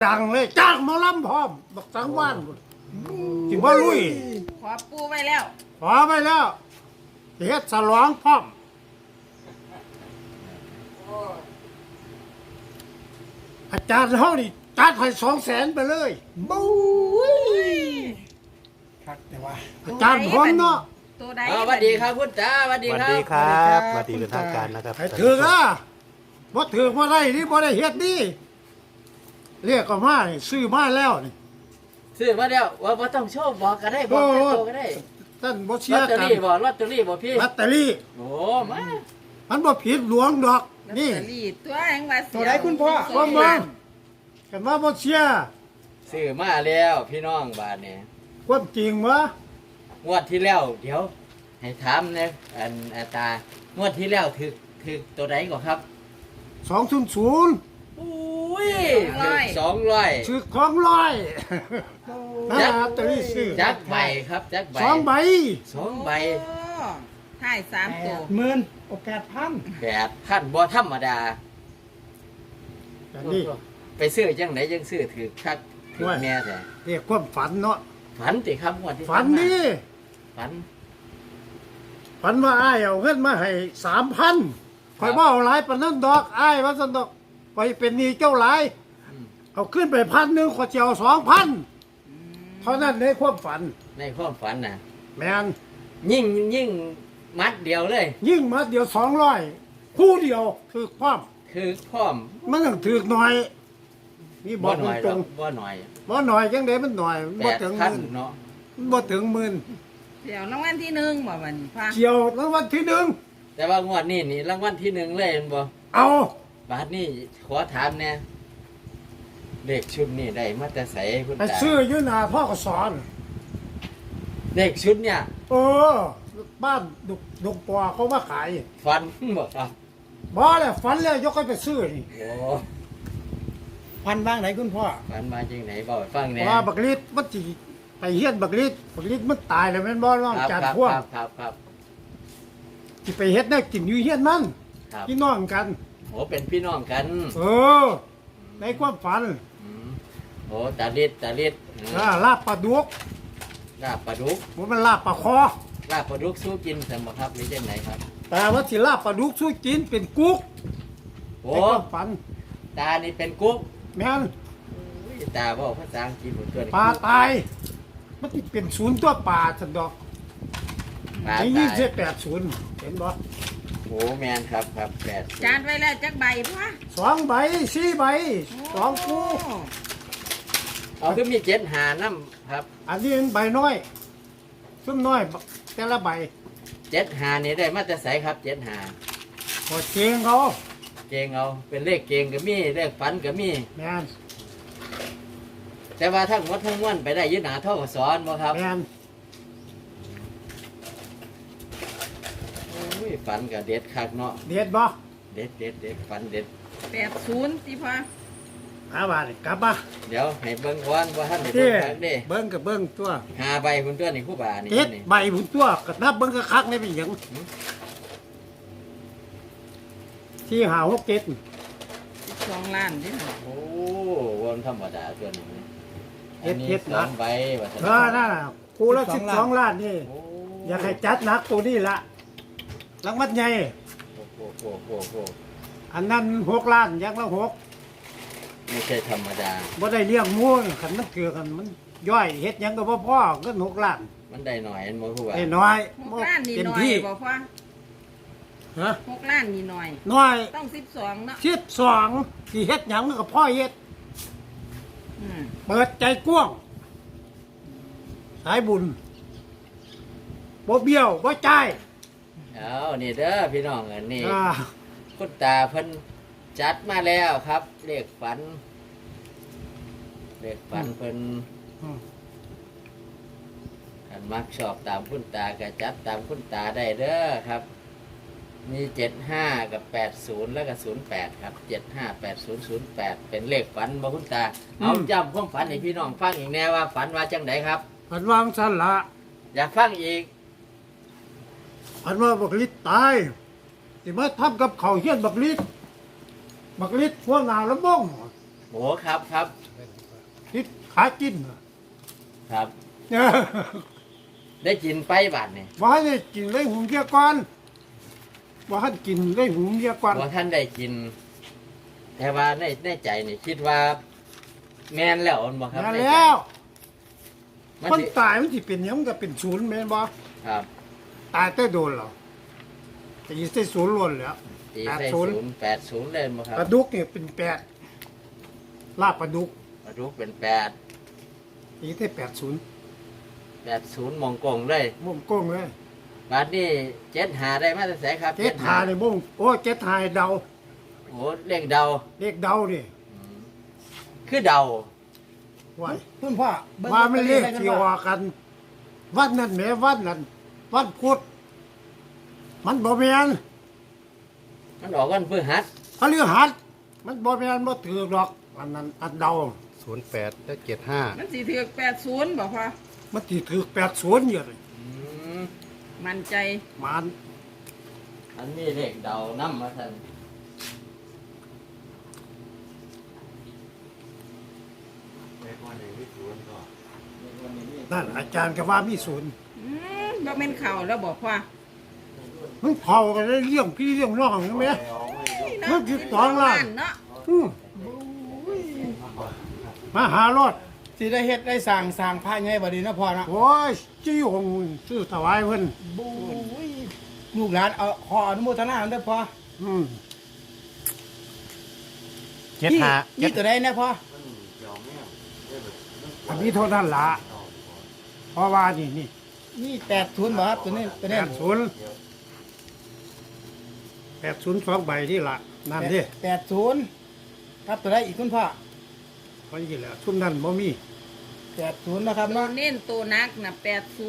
จังเลยจ้างหมาล้ำพร้อมบักสังว่านจิว่าลุยขอปูไว้แล้วขอไปแล้วเฮ็ดฉลองพร้อมอาจารย์เฮานี่จัดให้200,000ไปเลยบู๊ยครับแต่ว่าอาจารย์ผมเนาะตัวใดสวัสดีครับคุณตาสวัสสดีวัสครับดีครับสวัสดีเป็นทางการนะครับให้ถือนะบ่ถือบ่ได้นี่บ่ได้เฮ็ดนี่เรียกก็มานี่ซื้อมาแล้วนี่ซื้อมาแล้วว่าต้องโชว์บอกก็ได้บอกแค่ตัวก็ได้ท่านบ่เชื่ลออตเตอกันรี่บอกลอตเตอรี่บอกพี่ลอตเตอรี่โอ้มามันบ่ผิดหลวงดอกนี่นี่ตัวแห่งว่าเสีตัวไหนคุณพ่อบ่มันกันว่าบ่เชื่อซื้อมาแล้วพี่น้องบ้านเนี่ยความจริงวะงวดที่แล้วเดี๋ยว ให้ถามนะอันตางวดที่แล้วถึกตัวไหนก่อนครับ 200 อุ้ย200 ซื้อของร้อยนะลอตเตอรี่ซื้อจักใบครับจักใบ 2 ใบ 2 ใบโอ้ถ่าย3ตัว 8,000 8,000บ่ธรรมดาอันนี้ไปซื้อจังไหนจังซื้อถือคักถือแม่แต่เรียกความฝันเนาะฝันติครับงวดที่ฝันนี่ฝันฝันว่าอ้ายเอาเงินมาให้ 3,000ข่อยบ่เอาหลายปานนั้นดอกอ้ายว่าซั่นดอกไปเป็นหนี้เจ้าหลาย เอาขึ้นไป1,000ข่อยสิเอา2,000เท่านั้นในความฝันในความฝันน่ะแม่นยิ่งมัดเดียวเลยยิ่งมาเดียว200คู่เดียวคือความคือพร้อมมันต้องถือหน่อยนี่บบ่อกหน่อยตรงบ่หน่อยๆบ่หน่อยจังได๋มันหน่อยมันบ่ถึงหมื่น 8,000เนาะมันบ่ถึงหมื่นเดี๋ยวรางวัลที่หนึ่งบ่วันนี้พ่อเกี่ยวรางวัลที่หนึ่งแต่ว่างวดนี้นี่รางวัลที่หนึ่งเลยเห็นบ่เอาบาทนี้ขอถามแน่เด็กชุดนี้ได้มาแต่ไสคุณไปตาซื้ออยู่หน้าพ่อก็สอนเด็กชุดเนี่ยเออบ้านดุกปอเขามาขายฝันบ่ครับบ่แล้วฝันแล้วยกให้ไปซื้อนี่โอ้พันบ้างไหนคุณพ่อฝันมาจังไหนบ่ให้ฟังแน่ว่าบักฤทธิ์มันสิไปเฮียนบักฤทธิ์มันตายแล้วแม่นบ่น้องครับจานครับพวงครับสิไปเฮ็ดแนวกินอยู่เฮียนมันครับพี่น้องกันโอ้เป็นพี่น้องกันเออ ในความฝันอืมโอ้ตาลิดลาบปลาดุกลาบปลาดุกมันลาบปลาคอลาบปลาดุกสู้กินสมบ่ครับหรือจังไหนครับแต่ว่าสิลาบปลาดุกสู้กินเป็นกุ๊กโอ้ในความฝันตานี่เป็นกุ๊กแม่นอุ้ยตาบอกภาษาอังกฤษหมดตัวนี่ปลาตาย มันสิเป็นศูนย์ตัวปลาสันดอกปลาไอ้ตายี่ยสิบ80เห็นบ่โอ้แมนครับแปดจานไว้แล้วจักใบพ่อ 2 ใบ 4 ใบ2คู่เอาคือมี7หาน้ำครับอันนี้เป็นใบน้อยซุ่มน้อยแต่ละใบ 7หานี่ได้มาแต่ใสครับ7หาพอเชียงเขาเกงเอาเป็นเลขเกงก็มีเลขฝันก็มีแม่นแต่ว่าทั้งหมดทั้งมวลไปได้ยึดหนาเท่ากับสอนบ่ครับแม่นโอ้ยฝันก็เด็ดคักเนาะเด็ดบ่เด็ดฝันเด็ด 80สิพ่ออาบาดนี่กลับมาเดี๋ยวให้เบิ่งก่อนว่าท่านได้เด้เบิ่งคักเด้เบิ่งกับเบิ่งตัวหาใบคุณตัวนี่คู่บานี่เจ็ดนี่ใบพุ่นตัวก็นับเบิ่งคักๆนี่เป็นหยังที่หา6 7 12ล้านเด้อโอ้วันธรรมดาตัวนี้อันนี้เฮ็ดสองใบว่าซั่นนั่นน่ะคู่ละ12 ล้านนี่โอ้อยากให้จัดหนักตัวนี้ละรางวัลใหญ่โอ้อันนั้น6 ล้านอย่างละ6 ไม่ใช่ธรรมดาบ่ได้เลี้ยงหมูคันมันเกลือกันมันย่อยเฮ็ดหยังก็บ่พอเงิน6 ล้านมันได้หน่อยอันบ่คู่ว่าไอ้น้อย 6ล้านนี่เต็มน้อยที่บ่พ่อฮะ 6ล้านนี่น้อยน้อยต้อง12เนาะ 12สิเฮ็ดหยังมันก็พ่อเฮ็ดอืมเปิดใจกว้างสายบุญบ่เบี้ยวบ่จ่ายเอานี่เด้อพี่น้องอันนี้อ่าคุณตาเพิ่นจัดมาแล้วครับเลขฝันเพิ่นอืมคันมักชอบตามคุณตาก็จัดตามคุณตาได้เด้อครับ มี75กับ80แล้วก็08ครับ758008เป็นเลขฝันบ่คุณตาเอาจำความฝันให้พี่น้องฟังอีกแน่ว่าฝันว่าจังไดครับอันวางซั่นละอยากฟังอีกอันว่าบักลิดตายสิมาทำกับเขาวเฮียนบักลิดพวกหน้าละบ้งโหครับคิดขากินน่ะครับ ได้กินไปบาทนี่บ่ให้ได้กินเลยหุงเดียวก่อนบ่ให้กินเลยหุงเดียวก่อนว่าท่านได้กิน แต่ว่าในใจนี่คิดว่า แม่นแล้วอันบ่ครับมาในใจแล้วมันคนสิตายมันสิเป็นหยังมันก็เป็นศูนย์แม่นบ่ครับตายแต่โดนเหรอแต่ยี่สิศูนย์ล้วนแล้วตีใส่ 80 080เลยบ่ครับปลาดุกเนี่ยเป็น8ลาบปลาดุกปลาดุกเป็น8 ยี่สิ80 80มองกงเลยม่วงโก้งเลยบาทนี้75ได้มาแต่ไสครับเจ็ดหาในม่วงโอ้เจ็ดหาเดาโอ้เลขเดาเลขเดาดิคือเดาว่าคุณพ่อบิ่งว่ามันเลขลอตตอที่รี่ว่ากัน วันนั้นแหมวันนั้นวันพุธมันบ่แม่นมันออกวันพฤหัสพฤหัสมันบ่แม่นบ่ถือดอกอันนั้นอันเดา 08และ75 มันสิถือ80บ่พ่อมันสิถือ80อยู่เลยอืมมั่นใจมันอันนี้เลขเดานํมาท่านนั่นอาจารย์ก็ว่ามีศูนย์บ่แม่นเข่าแล้วบ่พ่อมันเผากันได้เรื่องพี่เรื่องน้องใช่ไหมเนาะมันสิ2 ล้านเนาะอืมมาหารถสิได้เฮ็ดได้สร้างพระใหญ่บ่ดีนะพ่อเนาะโอ้ยจี้หงซื้อถวายเพิ่นบู๊ยลูกหลานเอาขออนุโมทนาเด้อพ่ออืมนี่ตัวใดนะพ่ออันนี้เท่านั้นละเพราะว่านี่นี่นี่80บ่ครับตัวนี้ 80 2ใบที่ละนั่นดิ 80ครับตัวใดอีกคุณพ่อเพราะนี่แหละชุ่มนั่นบ่มี 80นะครับตัวเนาะเน้นตัวนักน่ะ80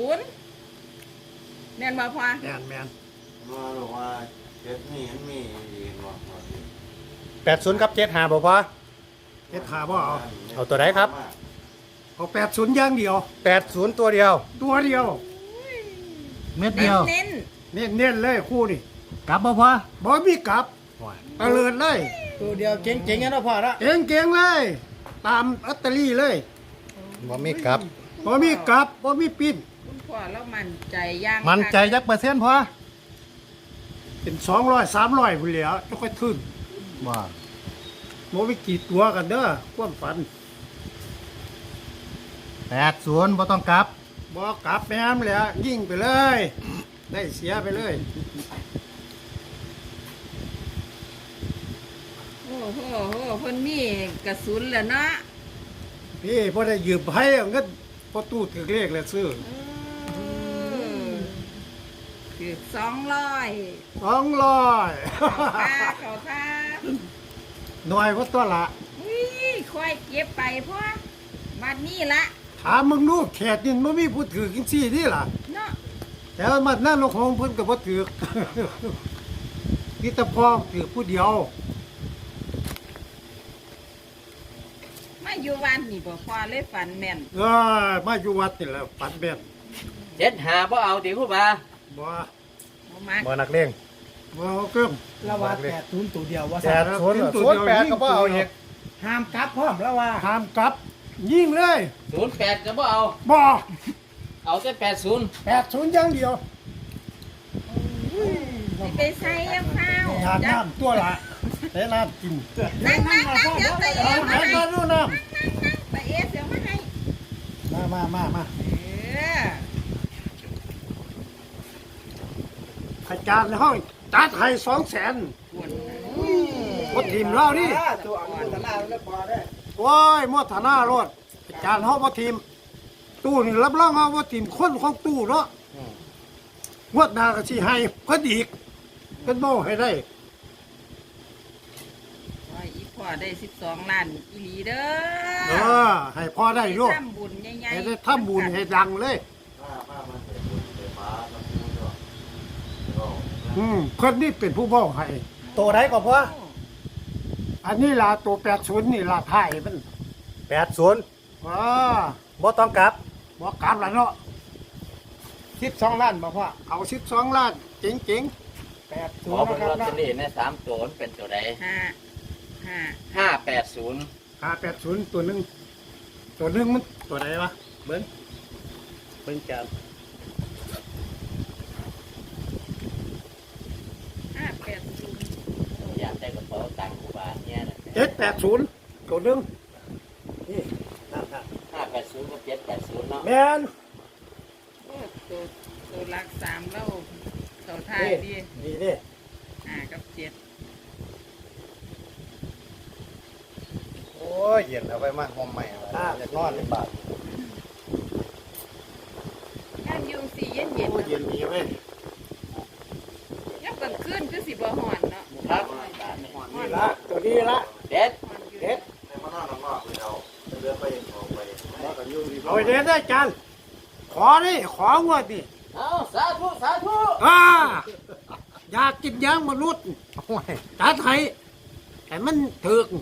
แม่นบ่พ่อแม่นแม่นมาบอกว่าเจ็ดนี่มันมีอีกบอกว่าสิ 80กับ75บ่พอเฮ็ดหาบ่เอาเอาตัวไหนครับเอา80อย่างเดียว 80ตัวเดียวตัวเดียวเม็ดเน้เดีนยวเน้นเน้นๆเลยคู่นี่กลับบ่พอบ่มีกลับตะเลิดเลยตัวเดียวเจ๋งๆนะพ่อเนาะเก่งๆเลย ตามลอตเตอรี่เลยบ่มีกลับบ่มีกลับบ่มีปิ้นคุณพ่อแล้วมั่นใจย่างมันใจจักเปอร์เซ็นต์พอเป็น200 300พุ่นแหล้วจะค่อยขึ้นว่าบ่มีกี่ตัวกันเด้อความฝัน 80บ่ต้องกลับบ่กลับแม่มแหล้วยิงไปเลย ได้เสียไปเลยโอ้โหเพิ่นมีกระสุนแล้วเนาะพี่พอได้ยืมให้เอาเงินพอตู้ถือเลขแล้วซื้อคือ200 200 เขาท่าหน่วยก็ตัวละอุ้ยค่อยเก็บไปพ่อบัดนี้ละถามมึงดูแขกนี่มันมีผู้ถือกินซี่นี่ล่ะเนาะแต่ว่ามันนั่นลงของเพิ่นก็บ่ถือ พี่ตะพองถือผู้เดียวมาอยู่วันนี่บ่พ่อเลยฝันแม่นมาอยู่วัดนี่แหละฝันแม่น 75บ่เอาติครูบาบ่บ่มักบ่นักเลงบ่เอาเครื่องละว่า80ตัวเดียวว่า 80 ซั่น 08ก็บ่เอาอีกห้ามกลับพร้อมแล้วว่าห้ามกลับ ยิงเลย 08ก็บ่เอาบ่เอาแต่80 80อย่างเดียวสิไปใส่ยังข้าวทานน้ำตัวละแต่น้ำกินนั่งเดี๋ยวตะเอเอามาให้ให้มาดูน้ตะเอเดี๋ยวมาให้ำมาเอออาจารย์ในห้องจัดให้200,000 ปวดบ่ทีมเรานี่ตัวอนุโมทนาแล้วพอได้โอ้ยมอธนารถอาจารย์เฮาบ่ทีม ตู้นี่รับรองเฮาบ่ทีมคนของตู้เนาะงวดหน้าก็สิให้เพิ่นอีกเพิ่นบ่ให้ได้ว่าอีพ่อได้12ล้านอีหลีเด้อให้พอได้อยู่ทำบุญใหญ่ให้ได้ทำบุญให้ดังเลยป้ามันใส่บุญใส่ฟ้าทำบุญด้วยก็เพิ่นนี่เป็นผู้บอกให้ตัวไหนก็พออันนี้ล่ะตัว80นี่ล่ะท้ายมัน 80 อ่าบ่ต้องกลับบ่กลับล่ะเนาะ 12ล้านบ่พ่อเอา12ล้านเจ๋งขอ 80 เบิ่นะงครับลอตเตอเนาะรี่ใน3ตัวมันเป็นตัวใด 5 580 ๆ580ตัวหนึงตัวตัวหนึงมันตัวไหนวะเบิ้งจับ 580 อยากได้กระเป๋าตังค์กูบาทเนี่ยนะ 780ตัวหนึงนี่นั่น 580กับ780เนาะแม่นโอ้ตัวหลัก3แล้วตัวท้ายดีนี่นี่ 5กับ7 โอ้ยเย็นเอาไปมาหอมใหม่อยากนอนในบาทงานยุงสีเย็นโอ้ยเย็นดีเว้ยๆยับกลางคืนคือสิบ่ฮ้อนเนาะครับบาทนี่ละตัวนี้ละเด็ดฮ้อนอยู่เด็ดให้มานอนข้างนอกเลยเอาเรือไปออกไปเอาไปเด็ดได้จานขอนี่ของวดนี่เอาสาธุสาธุอยากกินยางมนุษย์โอ้ยจัดให้แต่มันถึก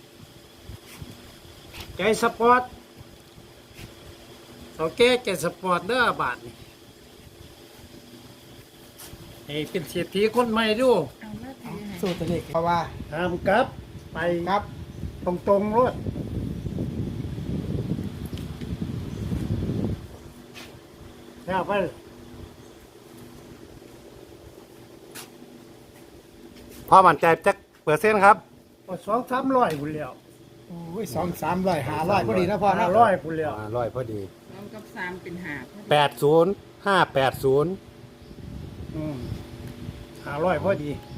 ใจสปอร์ตโอเคใจสปอร์ตเด้อบาทนี่ให้เป็นเศรษฐีคนใหม่ดูเอามาถือให้สู้ตัวนี้เพราะว่าตามกลับไปครับตรงๆรถแล้วไปพ่อมั่นใจจักเปอร์เซ็นต์ครับ 200-300พุ่นแล้วโอ้ย200-300 500พอดีนะพ่อนะ 500พุ่นแล้วร้อยพอดี 2กับ3เป็น5พอดี 80 580 500พอดี